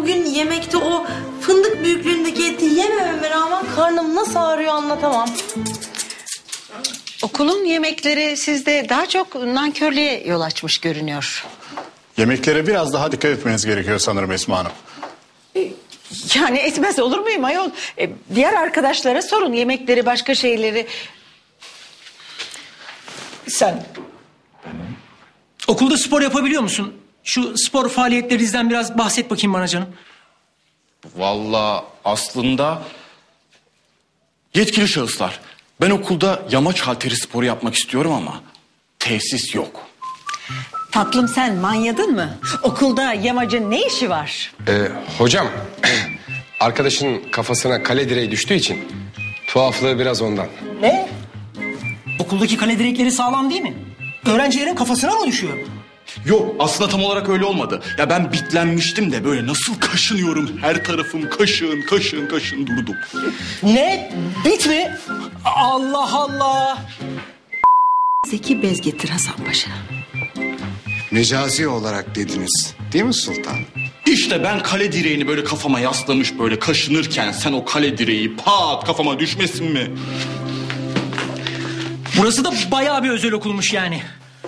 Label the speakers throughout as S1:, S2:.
S1: bugün yemekte o fındık büyüklüğündeki eti yemememe rağmen karnım nasıl ağrıyor anlatamam.
S2: Okulun yemekleri sizde daha çok nankörlüğe yol açmış görünüyor.
S3: Yemeklere biraz daha dikkat etmeniz gerekiyor sanırım Esma Hanım.
S2: Yani etmez olur muyum ayol? Diğer arkadaşlara sorun yemekleri, başka şeyleri.
S4: Sen okulda spor yapabiliyor musun? Şu spor faaliyetlerinizden biraz bahset bakayım bana canım.
S5: Vallahi aslında yetkili şahıslar. Ben okulda yamaç halteri sporu yapmak istiyorum ama tesis yok.
S2: Tatlım sen manyadın mı? Okulda yamacın ne işi var?
S6: Hocam, arkadaşın kafasına kale direği düştüğü için tuhaflığı biraz ondan.
S4: Ne? Okuldaki kale direkleri sağlam değil mi? Öğrencilerin kafasına mı düşüyor?
S5: Yok, aslında tam olarak öyle olmadı. Ya ben bitlenmiştim de böyle nasıl kaşınıyorum, her tarafım kaşın durdum.
S4: Ne? Bit mi? Allah Allah!
S2: Zeki bez getir Hasan Paşa.
S7: Mecazi olarak dediniz değil mi sultan?
S5: İşte ben kale direğini böyle kafama yaslamış böyle kaşınırken sen o kale direği pat kafama düşmesin mi?
S4: Burası da bayağı bir özel okulmuş yani.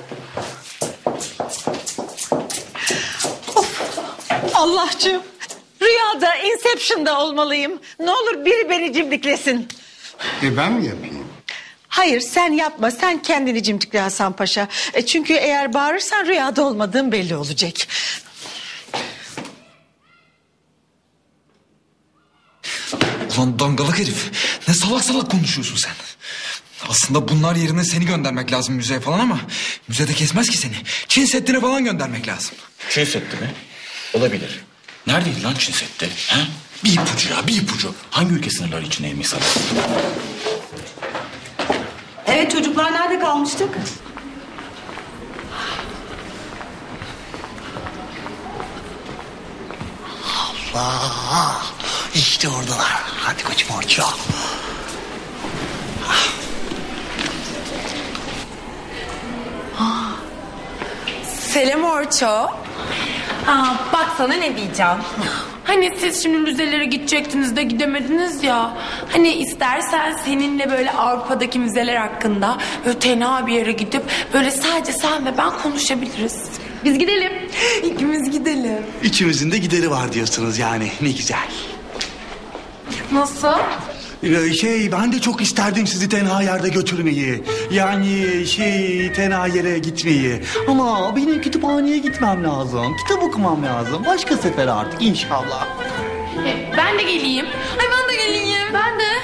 S2: Allah'cığım rüyada Inception'da olmalıyım. Ne olur biri beni cimdiklesin.
S7: Ben mi yapayım?
S2: Hayır sen yapma, sen kendini cimdikle Hasan Paşa. Çünkü eğer bağırırsan rüyada olmadığın belli olacak.
S8: Ulan dangalak herif. Ne salak salak konuşuyorsun sen. Aslında bunlar yerine seni göndermek lazım müzeye falan ama... ...müzede kesmez ki seni. Çin Seddi'ne falan göndermek lazım.
S5: Çin Seddi mi? Olabilir. Neredeydi lan Çin Seddi? Ha? Bir ipucu ya, bir ipucu. Hangi ülke sınırları içindeymiş sana?
S1: Evet çocuklar nerede kalmıştık?
S9: Allah! İşte oradalar. Hadi koçum Orço.
S10: Selam Orço.
S1: Bak sana ne diyeceğim.
S10: Hani siz şimdi müzelere gidecektiniz de gidemediniz ya. Hani istersen seninle böyle Avrupa'daki müzeler hakkında böyle tenha bir yere gidip böyle sadece sen ve ben konuşabiliriz.
S1: Biz gidelim.
S10: İkimiz gidelim.
S9: İkimizin de gideri var diyorsunuz yani. Ne güzel.
S10: Nasıl?
S9: Ben de çok isterdim sizi tenha yerde götürmeyi. Yani tenha yere gitmeyi. Ama benim kütüphaneye gitmem lazım. Kitap okumam lazım. Başka sefer artık inşallah.
S10: Ben de geleyim. Ay ben de geleyim. Ben de.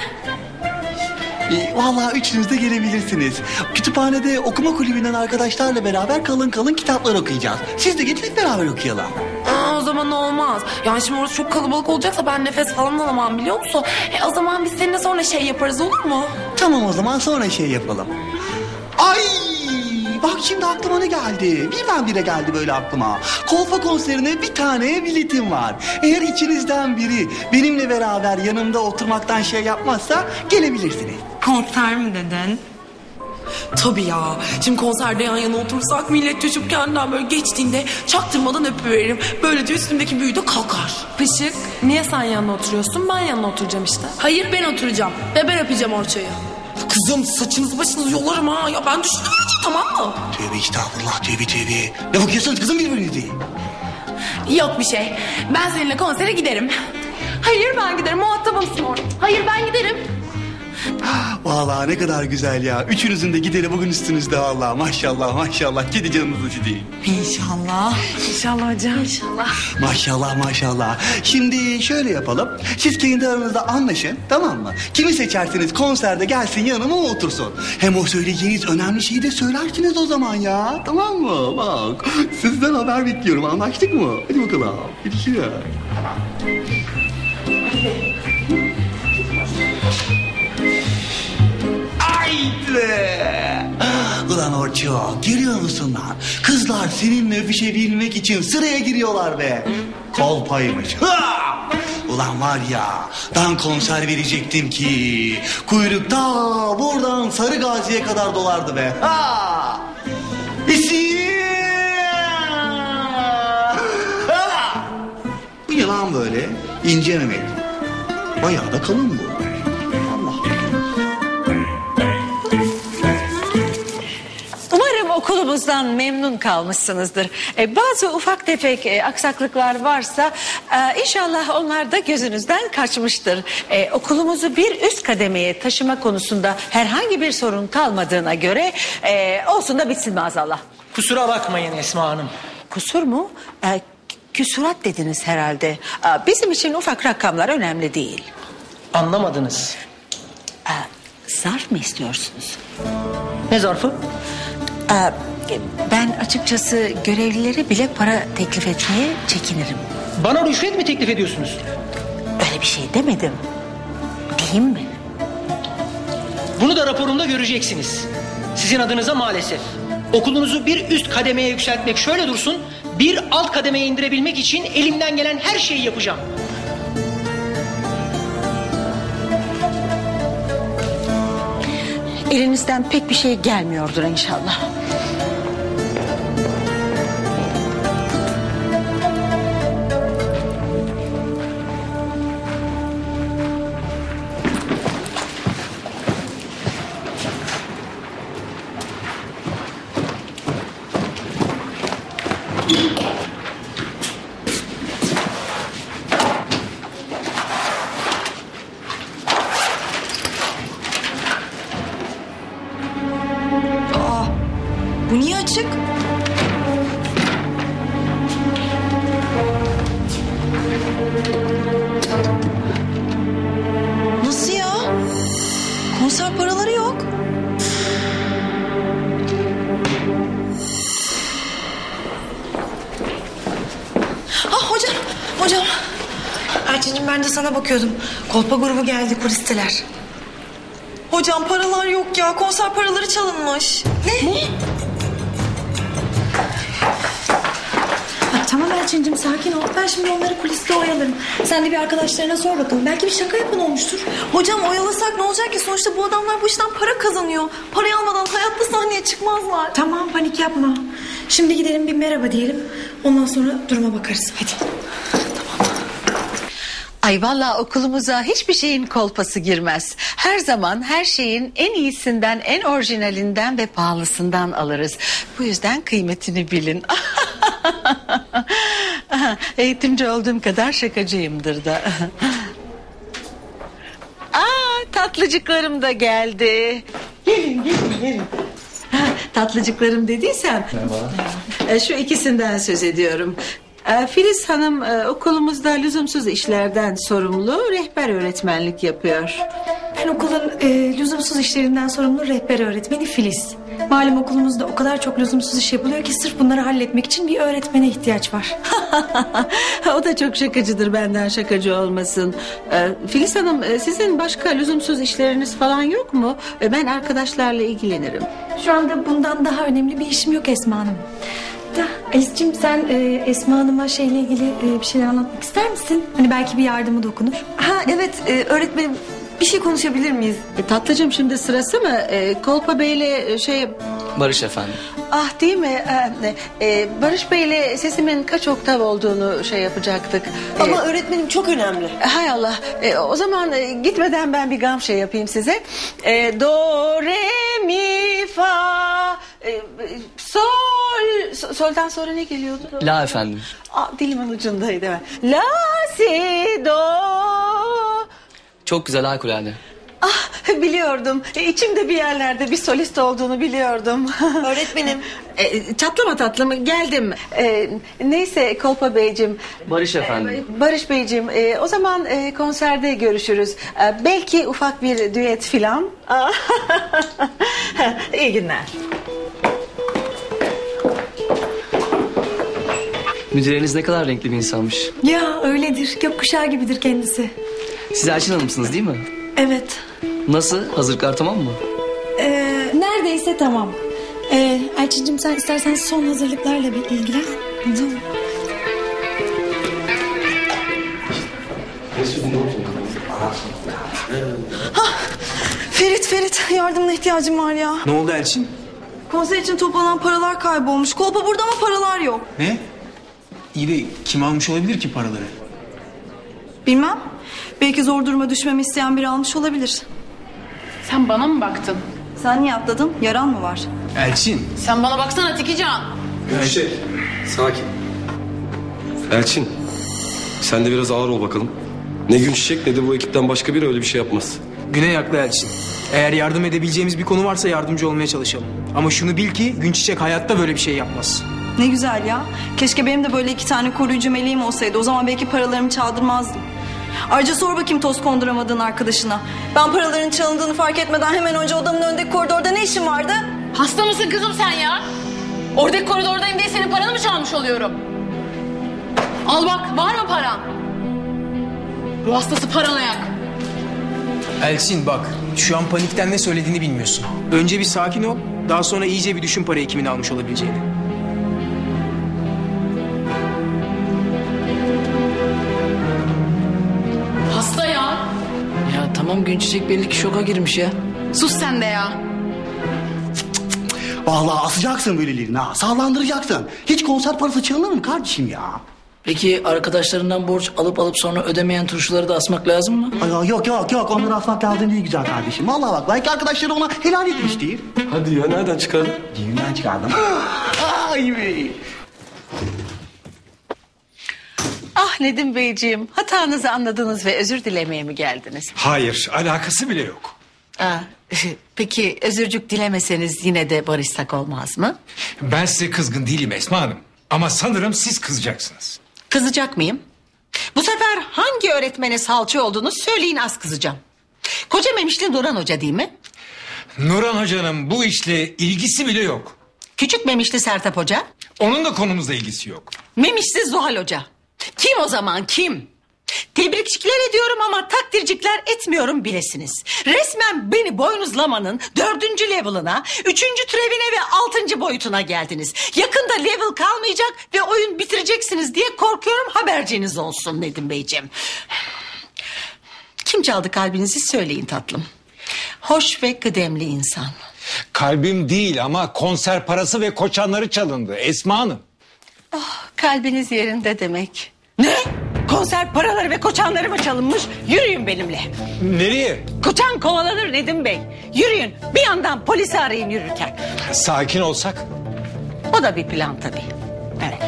S9: Vallahi üçünüz de gelebilirsiniz. Kütüphanede okuma kulübünden arkadaşlarla beraber kalın kitaplar okuyacağız. Siz de gelin hep beraber okuyalım.
S10: O zaman olmaz. Yani şimdi orası çok kalabalık olacaksa ben nefes falan alamam biliyor musun? O zaman biz seninle sonra yaparız olur mu?
S9: Tamam o zaman sonra yapalım. Ay! Bak şimdi aklıma ne geldi? Birdenbire geldi böyle aklıma. Kolpa konserine bir tane biletim var. Eğer içinizden biri benimle beraber yanımda oturmaktan yapmazsa gelebilirsiniz.
S1: Konser mi dedin?
S10: Tabii ya. Şimdi konserde yan yana otursak millet çocuk kendinden böyle geçtiğinde çaktırmadan öpüveririm. Böylece üstümdeki büyü de kalkar.
S11: Pışık, niye sen yanına oturuyorsun? Ben yanına oturacağım işte.
S10: Hayır ben oturacağım ve ben öpeceğim Orço'yu. Kızım saçınızı başınızı yolarım ha. Ya ben düşündüm önce tamam mı?
S9: Tövbe estağfurullah tövbe. Ne bakıyorsunuz kızım birbirinize?
S10: Yok bir şey. Ben seninle konsere giderim. Hayır ben giderim muhatabımsın orada. Hayır ben giderim.
S9: Vallahi ne kadar güzel ya. Üçünüzün de gideri bugün üstünüzde vallahi. Maşallah. Kedi canınızı sileyim.
S1: İnşallah.
S11: İnşallah hocam.
S9: Maşallah. Şimdi şöyle yapalım. Siz kendi aranızda anlaşın tamam mı? Kimi seçerseniz konserde gelsin yanıma otursun. Hem o söyleyeceğiniz önemli şeyi de söylersiniz o zaman ya. Tamam mı? Bak sizden haber bekliyorum. Anlaştık mı? Hadi bakalım. Görüşürüz. Haydi. Ulan Orço görüyor musun lan? Kızlar seninle öpüşebilmek için sıraya giriyorlar be. Kolpaymış. Ulan var ya ben konser verecektim ki kuyrukta buradan Sarı Gazi'ye kadar dolardı be. Bu ne lan? lan böyle? İnce memeli. Bayağı da kalın bu. Allah.
S2: Umarım okulumuzdan memnun kalmışsınızdır. Bazı ufak tefek aksaklıklar varsa inşallah onlar da gözünüzden kaçmıştır. Okulumuzu bir üst kademeye taşıma konusunda herhangi bir sorun kalmadığına göre olsun da bitsin maazallah.
S4: Kusura bakmayın Esma Hanım.
S2: Kusur mu? Küsurat dediniz herhalde. Bizim için ufak rakamlar önemli değil.
S4: Anlamadınız.
S2: Zarf mı istiyorsunuz?
S4: Ne zarfı?
S2: Ben açıkçası görevlilere bile para teklif etmeye çekinirim.
S4: Bana rüşvet mi teklif ediyorsunuz?
S2: Öyle bir şey demedim. Diyeyim mi?
S4: Bunu da raporumda göreceksiniz. Sizin adınıza maalesef. Okulunuzu bir üst kademeye yükseltmek şöyle dursun, bir alt kademeye indirebilmek için elimden gelen her şeyi yapacağım.
S2: Elinizden pek bir şey gelmiyordur inşallah.
S1: Bu niye açık? Nasıl ya? Konser paraları yok. Ah hocam. Erçin'cim ben de sana bakıyordum. Kolpa grubu geldi, kulisteler. Hocam paralar yok ya. Konser paraları çalınmış. Ne?
S12: Tamam Elçin'cim sakin ol. Ben şimdi onları kuliste oyalarım. Sen de bir arkadaşlarına sor bakalım. Belki bir şaka yapan olmuştur.
S1: Hocam oyalasak ne olacak ki? Sonuçta bu adamlar bu işten para kazanıyor. Parayı almadan hayatta sahneye çıkmazlar.
S12: Tamam panik yapma. Şimdi gidelim bir merhaba diyelim. Ondan sonra duruma bakarız. Hadi.
S2: Ay vallahi okulumuza hiçbir şeyin kolpası girmez. Her zaman her şeyin en iyisinden, en orijinalinden ve pahalısından alırız. Bu yüzden kıymetini bilin. Eğitimci olduğum kadar şakacıyımdır da. Tatlıcıklarım da geldi. Gelin. Tatlıcıklarım dediysem. Merhaba. Şu ikisinden söz ediyorum. Filiz Hanım okulumuzda lüzumsuz işlerden sorumlu, rehber öğretmenlik yapıyor.
S12: Ben okulun lüzumsuz işlerinden sorumlu rehber öğretmeni Filiz. Malum okulumuzda o kadar çok lüzumsuz iş yapılıyor ki sırf bunları halletmek için bir öğretmene ihtiyaç var.
S2: O da çok şakacıdır, benden şakacı olmasın. Filiz Hanım sizin başka lüzumsuz işleriniz falan yok mu? Ben arkadaşlarla ilgilenirim.
S12: Şu anda bundan daha önemli bir işim yok Esma Hanım. Da Alice'cim sen Esma Hanım'a şeyle ilgili bir şeyler anlatmak ister misin? Hani belki bir yardımı dokunur.
S1: Ha evet öğretmenim bir şey konuşabilir miyiz?
S2: Tatlıcığım şimdi sırası mı? Kolpa Bey'le
S13: Barış efendim.
S2: Ah değil mi? Barış Bey'le sesimin kaç oktav olduğunu yapacaktık.
S1: Ama öğretmenim çok önemli.
S2: Hay Allah. O zaman gitmeden ben bir gam yapayım size. Do, re, mi, fa, sol. Soldan sonra ne geliyordu?
S13: La efendim.
S2: Dilimin ucundaydı hemen. La, si, do.
S13: Çok güzel harikulade.
S2: Biliyordum. İçimde bir yerlerde bir solist olduğunu biliyordum.
S1: Öğretmenim.
S2: Çatlama tatlım geldim. Neyse Kolpa Beyciğim.
S13: Barış efendim.
S2: Barış Beyciğim o zaman konserde görüşürüz. Belki ufak bir düet filan. İyi günler.
S13: Müdüreniz ne kadar renkli bir insanmış.
S12: Ya öyledir. Gökkuşağı gibidir kendisi.
S13: Siz Elçin Hanım'sınız değil mi?
S12: Evet.
S13: Nasıl? Hazırlıklar tamam mı?
S12: Neredeyse tamam. Elçin'cim sen istersen son hazırlıklarla bir ilgilen. Tamam.
S1: Ferit yardımına ihtiyacım var ya.
S8: Ne oldu Elçin?
S1: Konser için toplanan paralar kaybolmuş. Kolpa burada ama paralar yok.
S8: Ne? İyi de kim almış olabilir ki paraları?
S14: Bilmem. Belki zor duruma düşmemi isteyen biri almış olabilir.
S10: Sen bana mı baktın?
S14: Sen niye atladın? Yaran mı var?
S8: Elçin.
S10: Sen bana baksana Tikican.
S6: Sakin. Elçin, sen de biraz ağır ol bakalım. Ne Günçiçek ne de bu ekipten başka biri öyle bir şey yapmaz.
S15: Güney haklı Elçin. Eğer yardım edebileceğimiz bir konu varsa yardımcı olmaya çalışalım. Ama şunu bil ki Günçiçek hayatta böyle bir şey yapmaz.
S14: Ne güzel ya. Keşke benim de böyle 2 tane koruyucu meleğim olsaydı. O zaman belki paralarımı çaldırmazdım. Ayrıca sor bakayım toz konduramadığın arkadaşına. Ben paraların çalındığını fark etmeden hemen önce odamın önündeki koridorda ne işin vardı?
S10: Hasta mısın kızım sen ya? Oradaki koridordayım diye senin paranı mı çalmış oluyorum? Al bak, var mı paran? Bu hastası paranoyak.
S15: Elçin bak, şu an panikten ne söylediğini bilmiyorsun. Önce bir sakin ol, daha sonra iyice bir düşün parayı kimin almış olabileceğini.
S10: Hasta ya.
S13: Ya tamam Günçiçek belli ki şoka girmiş ya.
S10: Sus sen de ya.
S9: Vallahi asacaksın böylelerini ha. Sağlandıracaksın. Hiç konser parası çalınır mı kardeşim ya?
S13: Peki arkadaşlarından borç alıp sonra ödemeyen turşuları da asmak lazım mı?
S9: Ay, yok onları asmak lazım değil güzel kardeşim. Vallahi bak belki arkadaşları ona helal etmiştir.
S6: Hadi ya nereden çıkardın?
S9: Düğünden çıkardım. Ay be.
S2: Ah Nedim Beyciğim, hatanızı anladınız ve özür dilemeye mi geldiniz?
S8: Hayır, alakası bile yok.
S2: Peki özürcük dilemeseniz yine de barışsak olmaz mı?
S8: Ben size kızgın değilim Esma Hanım. Ama sanırım siz kızacaksınız.
S2: Kızacak mıyım? Bu sefer hangi öğretmene salça olduğunu söyleyin, az kızacağım. Koca Memişli Nurhan Hoca değil mi?
S8: Nurhan Hoca'nın bu işle ilgisi bile yok.
S2: Küçük Memişli Sertap Hoca?
S8: Onun da konumuzla ilgisi yok.
S2: Memişli Zuhal Hoca. Kim o zaman kim? Tebrikçikler ediyorum ama takdircikler etmiyorum bilesiniz. Resmen beni boynuzlamanın 4. level'ına, 3. türevine ve 6. boyutuna geldiniz. Yakında level kalmayacak ve oyun bitireceksiniz diye korkuyorum, haberciniz olsun Nedim Beyciğim. Kim çaldı kalbinizi söyleyin tatlım. Hoş ve kıdemli insan.
S16: Kalbim değil ama konser parası ve koçanları çalındı Esma Hanım.
S2: Oh, kalbiniz yerinde demek. Ne? Konser paraları ve koçanları mı çalınmış? Yürüyün benimle.
S16: Nereye?
S2: Koçan kovalanır Nedim Bey. Yürüyün. Bir yandan polisi arayın yürürken.
S16: Sakin olsak.
S2: O da bir plan tabii. Evet.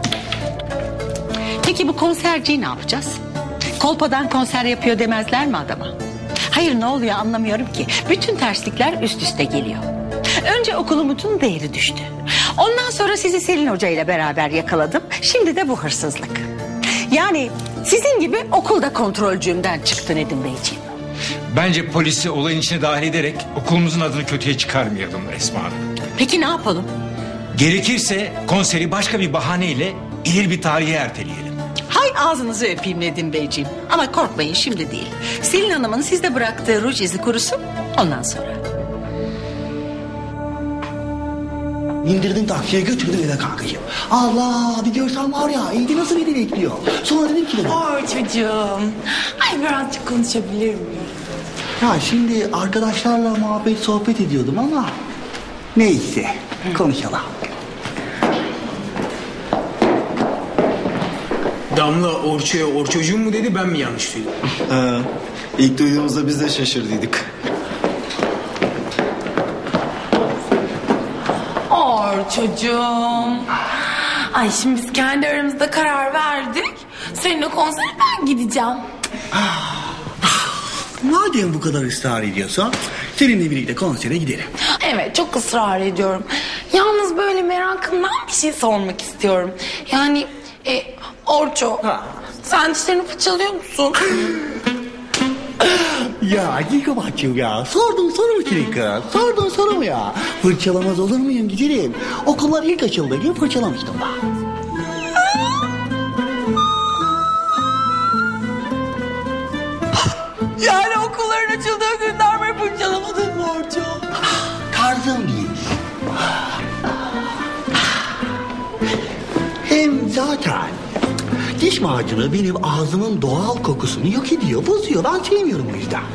S2: Peki bu konserciyi ne yapacağız? Kolpadan konser yapıyor demezler mi adama? Hayır, ne oluyor anlamıyorum ki. Bütün terslikler üst üste geliyor. Önce okulumuzun değeri düştü. Ondan sonra sizi Selin Hoca ile beraber yakaladım. Şimdi de bu hırsızlık. Yani sizin gibi okulda kontrolcüğümden çıktı Nedim Beyciğim.
S8: Bence polisi olayın içine dahil ederek okulumuzun adını kötüye çıkarmayalım Esma Hanım.
S2: Peki ne yapalım?
S8: Gerekirse konseri başka bir bahaneyle ileri bir tarihe erteleyelim.
S2: Hay ağzınızı öpeyim Nedim Beyciğim. Ama korkmayın, şimdi değil. Selin Hanım'ın sizde bıraktığı ruj izi kurusun, ondan sonra.
S9: İndirdim taksiye götürdüm eve kankacığım. Allah bir görsen var ya evde nasıl beni bekliyor. Sonra dedim ki
S10: Oy çocuğum. Ay birazcık konuşabilir miyim?
S9: ya şimdi arkadaşlarla muhabbet sohbet ediyordum ama neyse konuşalım.
S15: Damla Orço'ya Orçocuğum mu dedi, ben mi yanlış duydum?
S17: İlk duyduğumuzda biz de şaşırdıydık.
S10: Çocuğum. Ay şimdi biz kendi aramızda karar verdik. Seninle konsere ben gideceğim.
S9: Madem bu kadar ısrar ediyorsan seninle birlikte konsere gidelim.
S10: Evet, çok ısrar ediyorum. Yalnız böyle merakımdan bir şey sormak istiyorum. Yani Orço, sen dişlerini fırçalıyor musun?
S9: Ya Gülkabat'cığım ya sordun soru mu senin kız? Sordun soru mu ya? Fırçalamaz olur muyum güzelim? Okullar ilk açıldığı gün fırçalamıştım ben.
S10: Yani okulların açıldığı günden beri fırçalamadın mı Orço?
S9: Tarzım değil. Hem zaten diş macunu benim ağzımın doğal kokusunu yok ediyor, bozuyor. Ben sevmiyorum o yüzden.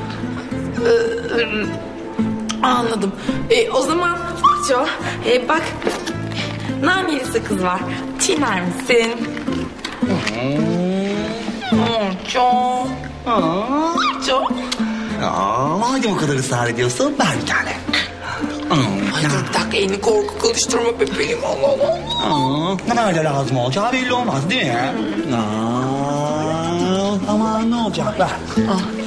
S10: Anladım. O zaman Orço, bak naneli sakız var. Çiğner misin? Çok. Çok.
S9: Madem o kadar ısrar ediyorsun ver bir tane.
S10: Ay dur bir dakika elini korku kılıştırma bebeğim Allah Allah.
S9: Ne öyle lazım olacağı belli olmaz değil mi? Aman ne olacak ver.